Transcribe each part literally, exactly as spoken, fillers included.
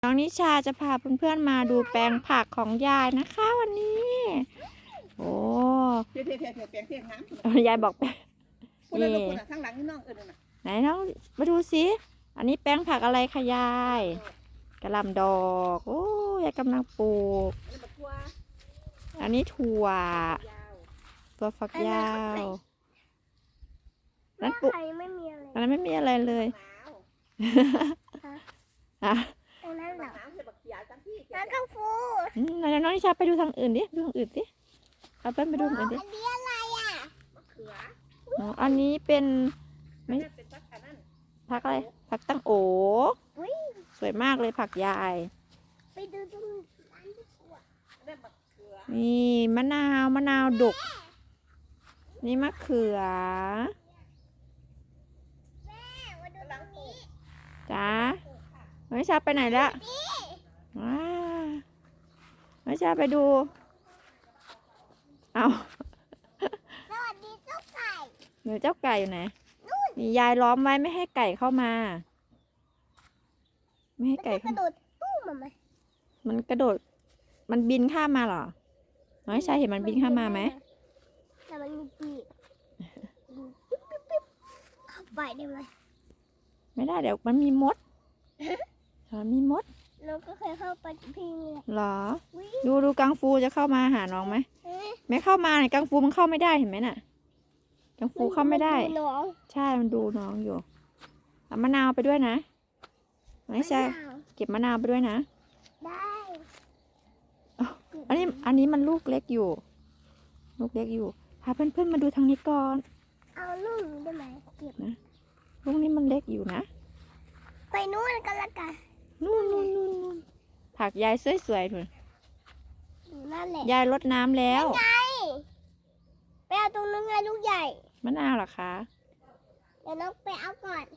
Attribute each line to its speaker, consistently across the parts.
Speaker 1: น้องนิชาจะพาเพื่อนๆมาดูแปลงผักของยายนะคะวันนี้ โอ้
Speaker 2: เพียเพียเพียเพียเพียเพียน้
Speaker 1: ำยายบอก
Speaker 2: ำนี่ข้างหลังนี่น้องเออน่ะ
Speaker 1: ไหนน้องมาดูสิอันนี้แปลงผักอะไรคะยายกระหล่ำดอกโอ้ยายกำลังปลูกอันนี้ถั่วตัวฝักยาวนั้นปลูกอันนั้นไม่มีอะไรเลยฮะ
Speaker 3: แล้วกังฟู
Speaker 1: ไหนน้องนิชาไปดูทางอื่นดิดูทางอื่นดิเอาไปไปดูทางอื่นดิ
Speaker 3: อันนี้อะไรอ่ะ
Speaker 1: อ๋ออันนี้เป็นไม่ผักอะไรผักตั้งโอสวยมากเลยผักยาย
Speaker 3: ไปดูตรงนั้นดีกว่า
Speaker 1: นี่มะนาวมะนาวดกนี่มะเขือ
Speaker 3: แม่มาดูตรงนี้
Speaker 1: จ้าน้องนิชาไปไหนละว้าน้องนิชาไปดูเอา
Speaker 3: สวัสดีเจ้าไก่
Speaker 1: หนูเจ้าไก่อยู่ไหนนี่ยายล้อมไว้ไม่ให้ไก่เข้ามา ไม่ให้ไก่
Speaker 3: กระโดดตู้มาไหม
Speaker 1: มันกระโดดมันบินข้ามมาเหรอน้องนิชาเห็นมันบินข้ามมาไหม
Speaker 3: แต่มันมีปีกปิ๊บปิ๊บปิ๊บเข้าไปได้ไหม
Speaker 1: ไม่ได้เดี๋ยวมันมีมดมันมีมด
Speaker 3: เราก็เคยเข้าไปกับพี่เลย
Speaker 1: เหรอดูดูกังฟูจะเข้ามาหาน้องไหมไม่เข้ามาเนี่ยกังฟูมันเข้าไม่ได้เห็นไหมน่ะกังฟูเข้าไม่ได้ใช่มันดูน้องอยู่เอามะนาวไปด้วยนะไม่ใช่เก็บมะนาวไปด้วยนะ
Speaker 3: ได้
Speaker 1: อันนี้อันนี้มันลูกเล็กอยู่ ลูกเล็กอยู่พาเพื่อนๆมาดูทางนี้ก่อน
Speaker 3: เอาลูกได้ไหมเก็บ
Speaker 1: นะลูกนี้มันเล็กอยู่นะ
Speaker 3: ไปนู่นกันละกัน
Speaker 1: นู่นนู่นนู่นนู่นผักยายสวยๆถูก
Speaker 3: นั่นแหละ
Speaker 1: ยายรดน้ำแล้ว
Speaker 3: ไงไปเอาตรงนั้นไงลูกใหญ่
Speaker 1: มะนาวเหรอคะ
Speaker 3: เดี๋ยวน้องไปเอาก่อน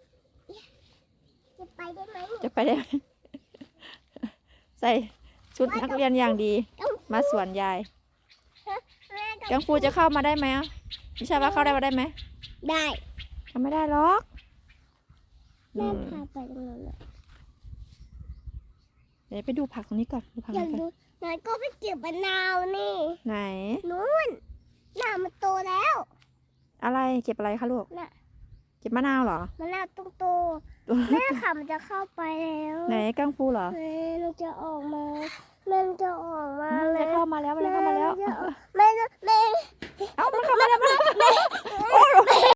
Speaker 3: จะไปได้ไหม
Speaker 1: จะไปได้ไหม ใส่ชุดนักเรียนอย่างดี มาสวนยายกังฟูจะเข้ามาได้ไหมอ่ะนิชาว่าเข้าได้มาได้ไหม
Speaker 3: ได้
Speaker 1: เข้าไม่ได้หรอก
Speaker 3: แม่พาไปตรงนั้นเลย
Speaker 1: เดี๋ยวไปดูผักตรงนี้ก่อนดูผัก
Speaker 3: อยาก
Speaker 1: นี้ก่
Speaker 3: ดู
Speaker 1: อน
Speaker 3: นายก็ไปเก็บมะนาวนี่
Speaker 1: ไหน
Speaker 3: นู่นน่ามันโตแล้ว
Speaker 1: อะไรเก็บอะไรคะลูก
Speaker 3: น่ะ
Speaker 1: เก็บมะนาวเหรอ
Speaker 3: มะนาวต้องโตแม่ค่ะมันจะเข้าไปแล้ว
Speaker 1: ไหนกังฟูเหรอ
Speaker 3: แม่มันจะออกมาแม่มันจะออกมา
Speaker 1: มัน
Speaker 3: แล้
Speaker 1: จะ
Speaker 3: ว
Speaker 1: เข้ามาแล้วมันจะเข้ามาแล้ว
Speaker 3: แม่จะแม่
Speaker 1: เอ้ามันเข้ามาแล้วมัน